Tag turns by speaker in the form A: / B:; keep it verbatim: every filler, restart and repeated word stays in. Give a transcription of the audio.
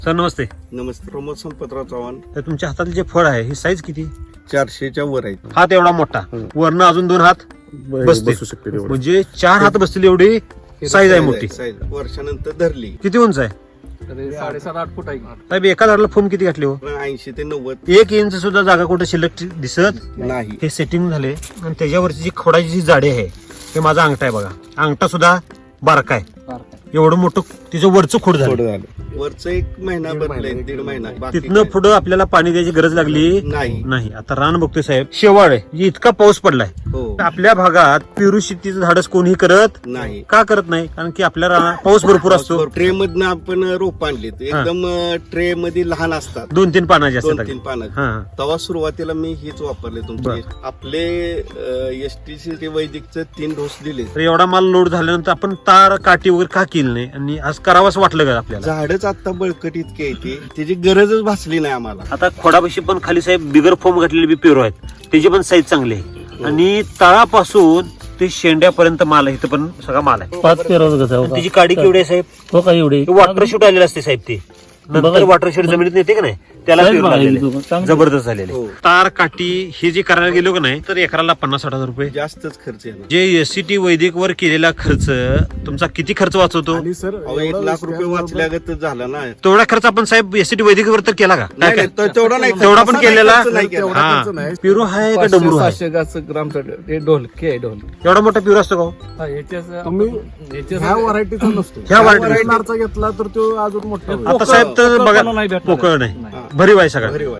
A: Sir नमस्ते.
B: नमस्ते. प्रमोद संपतराव चव्हाण.
A: तर तुमच्या हातातले जे फळ आहे ही साईज किती?
B: चारशेच्या वर आहे.
A: हात एवढा मोठा, वरनं अजून दोन हात बसते,
C: बसू शकते तेवढं.
A: म्हणजे चार हात बसतील एवढी साईज आहे मोठी.
B: साईज वर्षानंतर धरली.
A: किती उंच आहे
D: साडेसात आठ फूट आहे.
A: साहेब? एका झाडाला फोम किती घातले हो?
B: ऐंशी ते नव्वद.
A: एक इंच सुद्धा जागा कुठे शिल्लक दिसत
B: नाही.
A: हे सेटिंग झाले आणि त्याच्यावरची जी खोडाची जी जाडी आहे हे माझा अंगठा आहे बघा. अंगठा सुद्धा बारका आहे. एवढं मोठं तिचं वरचं खोड झालं.
B: थोडं झालं. वरचं एक महिना बदलय, दीड महिना. बाकी
A: तिथनं
B: काय?
A: पुढं आपल्याला पाणी द्यायची गरज लागली
B: नाही.
A: नाही. आता रान बघतोय साहेब, शेवाळ आहे, जी इतका पाऊस पडलाय.
B: हो.
A: आपल्या भागात पेरू शेतीचं धाडस कोणीही करत
B: नाही.
A: का करत नाही? कारण की आपल्या रानात पाऊस भरपूर असतो.
B: ट्रे मधनं आपण रोप आणली एकदम ट्रे मध्ये लहान असतात,
A: दोन तीन पानाचे
B: दोन
A: असतात.
B: तीन पानाचे.
A: हा, हा.
B: तेव्हा सुरुवातीला मी हीच वापरले तुमचे.
A: बरं.
B: आपले एसटीसी ते वैदिकचे तीन डोस दिले.
A: तर एवढा माल लोड झाल्यानंतर आपण तार काठी वगैरे का केली नाही आणि आज करावंच वाटलं का आपल्याला?
B: झाडच आता बळकट इतके येते, त्याची गरजच भासली नाही आम्हाला.
A: आता खोडापाशी पण खाली साहेब बिगर फोम घातलेले बी पेरू आहेत, त्याची पण साईज चांगली आहे. आणि तळापासून ते शेंड्यापर्यंत माल आहे. इथं पण सगळा माल आहे.
C: पाच पेराचं कसं
A: आणि त्याची काडी केवढी आहे साहेब?
C: हो का एवढी
A: वॉटर शूट आलेलं असते साहेब. ते नंतर वॉटर शूट जमिनीत येते का नाही, त्याला
C: साहेब,
A: पेरू लागलेले.
C: चांगलं.
A: जबरदस्त झालेले.
B: हो.
A: तार काठी हे जे करायला गेलो का नाही तर एकराला पन्नास साठ हजार रुपये.
B: जास्तच खर्च येणार.
A: जे एससीटी वैदिक वर केलेला खर्च तुमचा किती खर्च वाचवतो?
C: आणि सर
B: अहो, एक लाख रुपये वाचल्यागत झालं ना.
A: तेवढा खर्च आपण साहेब एससीटी वैदिक वर तर केला का? काय
B: नाही,
A: काय?
B: नाही, तो- तेवढा नाही.
A: तेवढा पण
B: तसा
A: केलेला?
B: खर्च नाही केला.
A: हा. पेरू आहे का डमरू आहे?
D: पाचशे गाच ग्रामचं ते ढोलकी आहे ढोल.
A: एवढा मोठा पेरू असतो का हो?
D: हा, याच्याच-
C: तुम्ही
D: याच्याच-
C: ह्या व्हरायटीचा नसतो.
A: ह्या
C: ह्या
A: variety-
C: व्हरायटीचा घेतला तर तो अजून मोठा होईल.
A: आता साहेब तर
D: पोकळ-
A: बघा
D: पोकळ नाही भेटणार.
A: पोकळ नाही,
B: हा.
A: भरीव आहे सगळं.
B: भरीव आहे.